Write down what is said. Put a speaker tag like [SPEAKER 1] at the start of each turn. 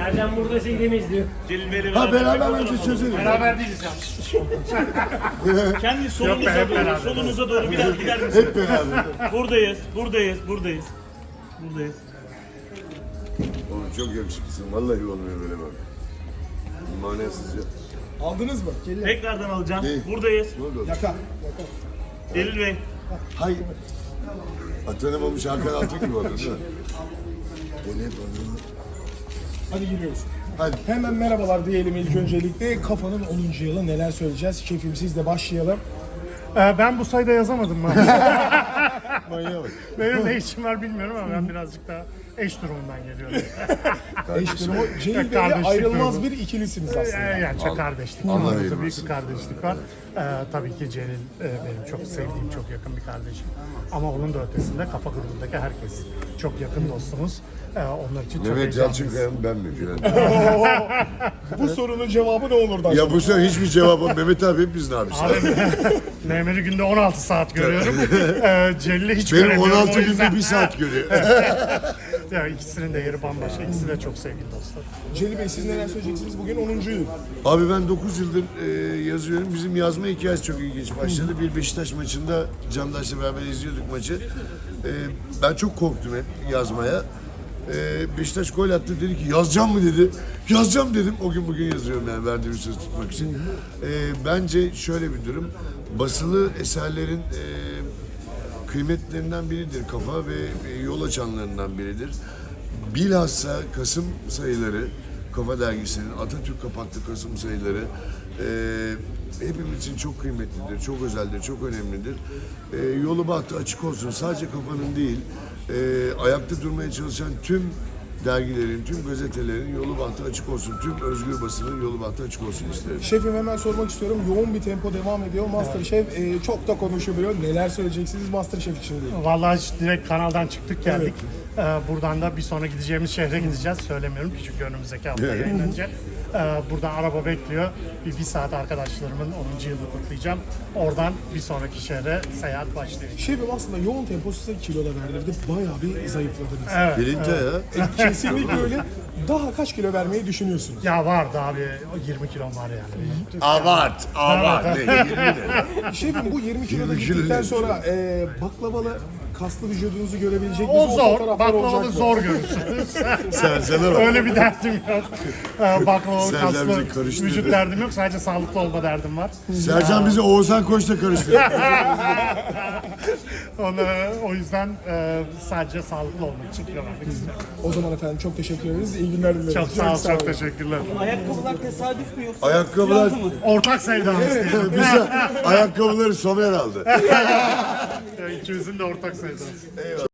[SPEAKER 1] Sercan burada gidemeyiz diyor.
[SPEAKER 2] Celil Bey'le
[SPEAKER 3] Ha beraber önce çözelim.
[SPEAKER 2] Beraber değiliz ya. Kendi solunuza doğru, solunuza doğru biraz gider misiniz?
[SPEAKER 3] Hep beraber.
[SPEAKER 2] Buradayız, buradayız, buradayız. Buradayız.
[SPEAKER 3] Oğlum çok yakışıklısın. Vallahi olmuyor böyle bak. Manasızca.
[SPEAKER 4] Aldınız mı?
[SPEAKER 2] Tekrardan alacağım.
[SPEAKER 3] Değil.
[SPEAKER 2] Buradayız.
[SPEAKER 3] Ne oldu?
[SPEAKER 4] Yaka.
[SPEAKER 2] Celil Bey.
[SPEAKER 3] Hay. Atanamamış Hakan Altun gibi oldu değil mi? Dene bana.
[SPEAKER 4] Hadi giriyoruz.
[SPEAKER 3] Hadi.
[SPEAKER 4] Hemen merhabalar diyelim ilk öncelikle. Kafanın 10. yılı neler söyleyeceğiz? Şefim sizle başlayalım.
[SPEAKER 5] Ben bu sayıda yazamadım maalesef.
[SPEAKER 3] Manyağa bak.
[SPEAKER 5] Benim ne işim var bilmiyorum ama ben birazcık daha eş durumundan geliyorum.
[SPEAKER 4] Eş durumu. Celil Bey'le
[SPEAKER 5] Kardeşlik
[SPEAKER 4] ayrılmaz
[SPEAKER 5] durumu.
[SPEAKER 4] bir ikilisiniz aslında.
[SPEAKER 5] Yani çok kardeşlik.
[SPEAKER 3] Allah
[SPEAKER 5] Aramızda
[SPEAKER 3] eyvallah.
[SPEAKER 5] büyük bir kardeşlik var. Tabii ki Celil benim çok sevdiğim, çok yakın bir kardeşim. Ama onun da ötesinde kafa grubundaki herkes çok yakın dostumuz. Onlar için çok
[SPEAKER 3] Mehmet
[SPEAKER 5] heyecanlıyız.
[SPEAKER 3] Yalçınkaya mı ben mi filan?
[SPEAKER 4] Bu sorunun cevabı ne olurdu acaba?
[SPEAKER 3] Ya bu sefer hiçbir cevap yok. Mehmet abi hep bizden abi.
[SPEAKER 5] Abi Mehmet'i günde 16 saat görüyorum. Celil'i hiç
[SPEAKER 3] Benim
[SPEAKER 5] göremiyorum.
[SPEAKER 3] 16
[SPEAKER 5] o yüzden.
[SPEAKER 3] günde 1 saat görüyor.
[SPEAKER 5] Ya ikisinin de yeri bambaşka. İkisi de çok sevgili dostlar.
[SPEAKER 4] Celil Bey siz neler söyleyeceksiniz? Bugün 10. yıl.
[SPEAKER 3] Abi ben 9 yıldır yazıyorum. Bizim yazma hikayesi çok ilginç başladı. Bir Beşiktaş maçında Candaş'la beraber izliyorduk maçı. Ben çok korktum hep yazmaya. Beşiktaş gol attı, dedi ki yazacağım mı dedi. Yazacağım dedim. O gün bugün yazıyorum yani verdiğim söz tutmak için. Bence şöyle bir durum. Basılı eserlerin kıymetlerinden biridir. Kafa ve yol açanlarından biridir. Bilhassa Kasım sayıları, Kafa Dergisi'nin Atatürk kapaklı Kasım sayıları hepimiz için çok kıymetlidir, çok özeldir, çok önemlidir. Yolu bahtı açık olsun. Sadece Kafa'nın değil, ayakta durmaya çalışan tüm dergilerin, tüm gazetelerin yolu bahtı açık olsun. Tüm özgür basının yolu bahtı açık olsun isterim.
[SPEAKER 4] Şefim hemen sormak istiyorum. Yoğun bir tempo devam ediyor. Masterchef çok da konuşuluyor. Neler söyleyeceksiniz Masterchef için değil?
[SPEAKER 5] Vallahi direkt kanaldan çıktık geldik. Buradan da bir sonra gideceğimiz şehre gideceğiz. Söylemiyorum ki çünkü önümüzdeki hafta yayınlanacak. Buradan araba bekliyor. Bir saat arkadaşlarımın 10. yılını kutlayacağım. Oradan bir sonraki şehre seyahat başlıyor.
[SPEAKER 4] Şefim aslında yoğun tempo size kilo da verdirdi. Bayağı bir zayıfladınız.
[SPEAKER 5] Evet.
[SPEAKER 3] Filinta ya.
[SPEAKER 4] Kesinlikle öyle. Daha kaç kilo vermeyi düşünüyorsunuz?
[SPEAKER 5] Ya vardı abi. O 20 kilom var yani.
[SPEAKER 3] Abart, abart. Ne, 20 ne?
[SPEAKER 4] Şefim bu 20 kiloda
[SPEAKER 3] 20 kilo
[SPEAKER 4] gittikten
[SPEAKER 3] ne?
[SPEAKER 4] sonra baklavalı kaslı vücudunuzu görebilecek
[SPEAKER 5] O
[SPEAKER 4] miyiz?
[SPEAKER 5] zor.
[SPEAKER 4] fotoğraflar
[SPEAKER 5] Baklavalı
[SPEAKER 4] olacak mı?
[SPEAKER 5] zor görürsünüz.
[SPEAKER 3] Sercan'a bak.
[SPEAKER 5] Öyle bir derdim yok. Baklavalı
[SPEAKER 3] Sercan
[SPEAKER 5] kaslı
[SPEAKER 3] bizi karıştırdı.
[SPEAKER 5] vücut derdim yok. Sadece sağlıklı olma derdim var.
[SPEAKER 3] Sercan bizi Oğuzhan Koç'la karıştırdı.
[SPEAKER 5] O yüzden sadece sağlıklı olmak için kilo vermek istiyorum.
[SPEAKER 4] O zaman efendim çok teşekkür ederiz. İyi günler dileriz.
[SPEAKER 5] Çok sağ ol, çok teşekkürler.
[SPEAKER 1] Ayakkabılar tesadüf mü yoksa?
[SPEAKER 3] Ayakkabılar,
[SPEAKER 5] Ortak sevdamız diyelim.
[SPEAKER 3] bize ayakkabıları Somer aldı.
[SPEAKER 5] İkimizin de ortak sevdası.